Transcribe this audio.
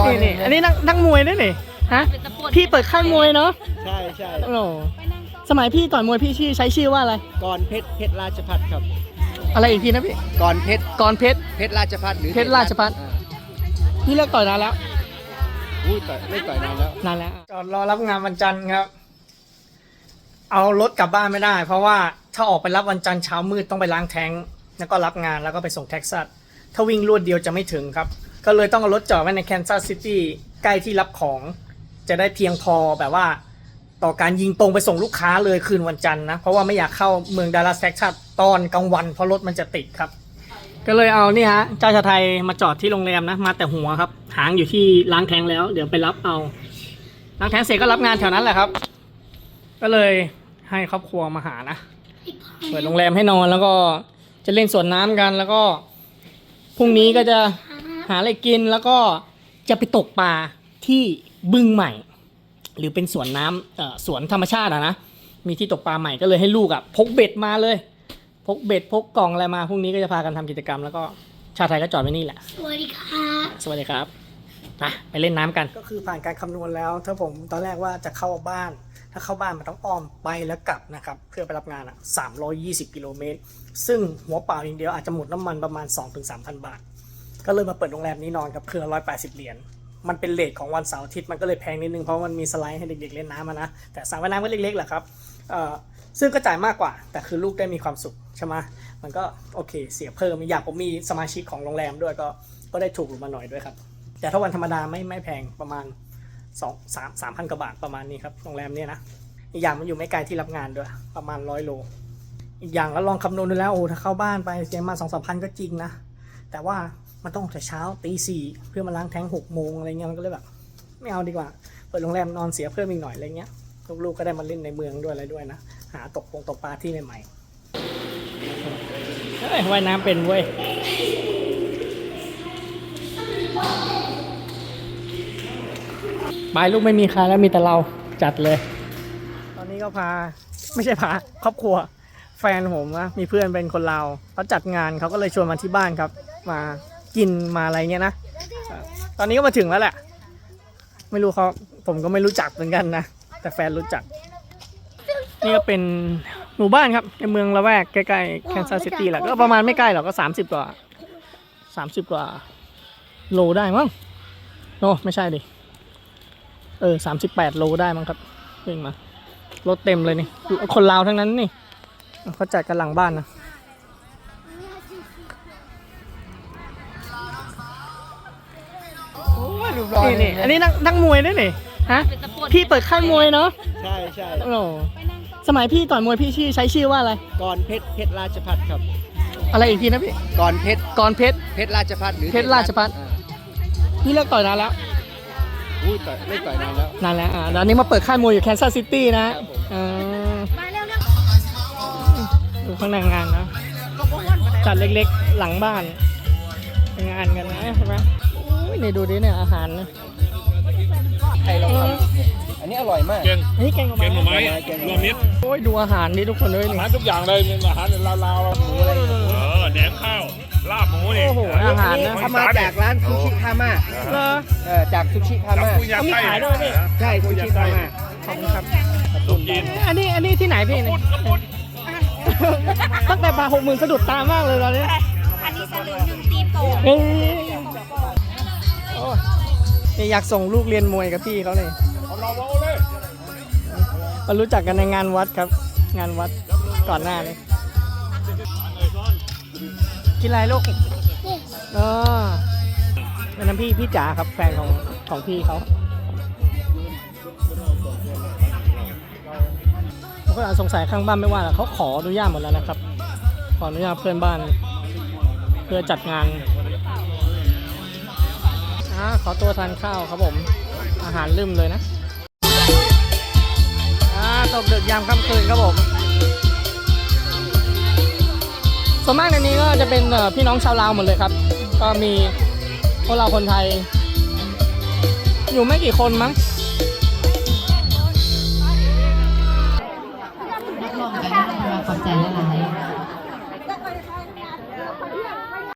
นี่อันนี้นักมวยด้วยนี่ฮะพี่เปิดค่ายมวยเนาะใช่ใช่โอ้สมัยพี่ต่อยมวยพี่ใช้ชื่อว่าอะไรกรเพชรราชพัฒครับอะไรอีกทีนะพี่กรเพชรเพชรราชพัฒหรือเพชรราชพัฒพี่เลิกต่อยนานแล้วเลิกต่อยนานแล้วจอดรอรับงานวันจันทร์ครับเอารถกลับบ้านไม่ได้เพราะว่าถ้าออกไปรับวันจันทร์เช้ามืดต้องไปล้างแท้งแล้วก็รับงานแล้วก็ไปส่งเท็กซัสถ้าวิ่งรวดเดียวจะไม่ถึงครับก็เลยต้องเอารถจอดไว้ในแคนซัสซิตี้ใกล้ที่รับของจะได้เพียงพอแบบว่าต่อการยิงตรงไปส่งลูกค้าเลยคืนวันจันทร์นะเพราะว่าไม่อยากเข้าเมืองดัลลัสเท็กซัสตอนกลางวันเพราะรถมันจะติดครับก็เลยเอานี่ฮะเจ้าชาไทยมาจอดที่โรงแรมนะมาแต่หัวครับหางอยู่ที่ล้างแท้งแล้วเดี๋ยวไปรับเอาล้างแท้งเสร็จก็รับงานแถวนั้นแหละครับก็เลยให้ครอบครัวมาหานะเปิดโรงแรมให้นอนแล้วก็จะเล่นสวนน้ำกันแล้วก็พรุ่งนี้ก็จะหาอะไรกินแล้วก็จะไปตกปลาที่บึงใหม่หรือเป็นสวนน้ำสวนธรรมชาตินะมีที่ตกปลาใหม่ก็เลยให้ลูกพกเบ็ดมาเลยพกเบ็ดพกกล่องอะไรมาพรุ่งนี้ก็จะพากันทำกิจกรรมแล้วก็ชาไทยก็จอดไว้นี่แหละสวัสดีครับสวัสดีครับไปเล่นน้ำกันก็คือผ่านการคำนวณแล้วถ้าผมตอนแรกว่าจะเข้าบ้านถ้าเข้าบ้านมันต้องอ้อมไปแล้วกลับนะครับเพื่อไปรับงาน320กิโลเมตรซึ่งหัวเปล่าอย่างเดียวอาจจะหมดน้ำมันประมาณ 2-3,000 บาทก็เลยมาเปิดโรงแรมนี้นอนกับเครื่อง180เหรียญมันเป็นเรทของวันเสาร์อาทิตย์มันก็เลยแพงนิดนึงเพราะมันมีสไลด์ให้เด็กๆเล่นน้ำนะแต่สระว่ายน้ำก็เล็กๆแหละครับซึ่งก็จ่ายมากกว่าแต่คือลูกได้มีความสุขใช่ไหมมันก็โอเคเสียเพิ่มอยากผมมีสมาชิกของโรงแรมด้วยก็ได้ถูกลงมาหน่อยด้วยครับแต่ถ้าวันธรรมดาไม่แพงประมาณ3,000 กว่าบาทประมาณนี้ครับโรงแรมเนี่ยนะอีกอย่างมันอยู่ไม่ไกลที่รับงานด้วยประมาณ100 โลอีกอย่างแล้วลองคำนวณดูแล้วถ้าเข้าบ้านไปเสียมา 2-3,000 ก็จริงนะแต่ว่ามันต้องแต่เช้าตี 4เพื่อมาล้างแท้ง6 โมงอะไรเงี้ยมันก็เลยแบบไม่เอาดีกว่าเปิดโรงแรมนอนเสียเพิ่มอีกหน่อยอะไรเงี้ยลูกๆก็ได้มาเล่นในเมืองด้วยอะไรด้วยนะหาตกปลาที่ใหม่ๆว่ายน้ำเป็นเว้ยไปลูกไม่มีใครแล้วมีแต่เราจัดเลยตอนนี้ก็ไม่ใช่ครอบครัวแฟนผมนะมีเพื่อนเป็นคนลาวเขาจัดงานเขาก็เลยชวนมาที่บ้านครับมากินมาอะไรเงี้ยนะตอนนี้ก็มาถึงแล้วแหละไม่รู้ผมก็ไม่รู้จักเหมือนกันนะแต่แฟนรู้จักนี่ก็เป็นหมู่บ้านครับในเมืองละแวกใกล้ๆแคนซัสซิตี้แหละก็ประมาณไม่ใกล้หรอกก็30 กว่าโลได้มั้งโน้ไม่ใช่ดิ38 โลได้มั้งครับวิ่งมารถเต็มเลยนี่คนลาวทั้งนั้นนี่เขาจัดกันหลังบ้านนะนี่อันนี้นักมวยด้วยนี่ฮะพี่เปิดค่ายมวยเนาะใช่ใช่โอ้สมัยพี่ต่อยมวยพี่ใช้ชื่อว่าอะไรกรเพชรราชพัฒครับอะไรอีกทีนะพี่กรเพชรเพชรราชพัฒหรือเพชรราชพัฒพี่เลิกต่อยนานแล้วเลิกต่อยนานแล้วตอนนี้มาเปิดค่ายมวยอยู่แคนซัสซิตี้นะมาเร็วดูข้างในงานนะจัดเล็กๆหลังบ้านงานกันนะใช่ไหมนี่ดูดิเนี่ยอาหารนะไทยเราอันนี้อร่อยมากนี่แกงหน่อไม้รวมมิตรโอ้ยดูอาหารนี่ทุกคนด้วยนี่อาหารทุกอย่างเลยอาหารลาวหมูอะไรแหนมข้าวลาบหมูนี่โอ้โหอาหารนะทำมาจากร้านซูชิคาม่าจากซูชิคาม่าเขามีขายด้วยพี่ใช่ซูชิคาม่าขอบคุณครับอันนี้ที่ไหนพี่นี่ตั้งแต่ปลา60,000สะดุดตามากเลยตอนนี้อันนี้สลึง1 ตีโป่งอยากส่งลูกเรียนมวยกับพี่เขาเลยมารู้จักกันในงานวัดครับงานวัดก่อนหน้าเลยกินอะไรลูกเป็นน้ำพี่จ๋าครับแฟนของพี่เขาก็สงสัยข้างบ้านไม่ว่าเขาขออนุญาตหมดแล้วนะครับขออนุญาตเพื่อนบ้านเพื่อจัดงานขอตัวทานข้าวครับผมอาหารลืมเลยนะตกดึกยามค่ำคืนครับผมส่วนมากในนี้ก็จะเป็นพี่น้องชาวลาวหมดเลยครับก็มีพวกเราคนไทยอยู่ไม่กี่คนมั้ง